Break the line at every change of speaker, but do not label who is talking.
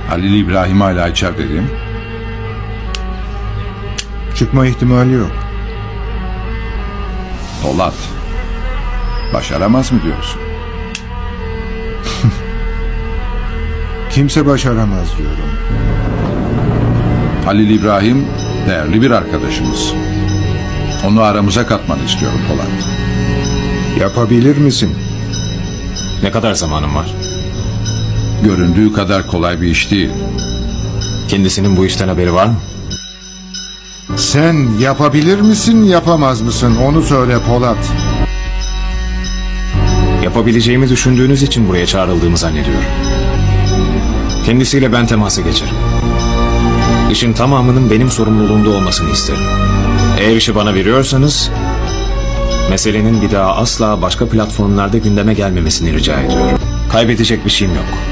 Halil İbrahim hala içeride değil mi?
Çıkma ihtimali yok.
Polat. Başaramaz mı diyorsun?
Kimse başaramaz diyorum.
Halil İbrahim değerli bir arkadaşımız. Onu aramıza katmanı istiyorum Polat.
Yapabilir misin?
Ne kadar zamanım var?
Göründüğü kadar kolay bir iş değil.
Kendisinin bu işten haberi var mı?
Sen yapabilir misin, yapamaz mısın? Onu söyle Polat.
Yapabileceğimi düşündüğünüz için buraya çağrıldığımı zannediyorum. Kendisiyle ben temasa geçerim. İşin tamamının benim sorumluluğumda olmasını isterim. Eğer işi bana veriyorsanız, meselenin bir daha asla başka platformlarda gündeme gelmemesini rica ediyorum. Kaybedecek bir şeyim yok.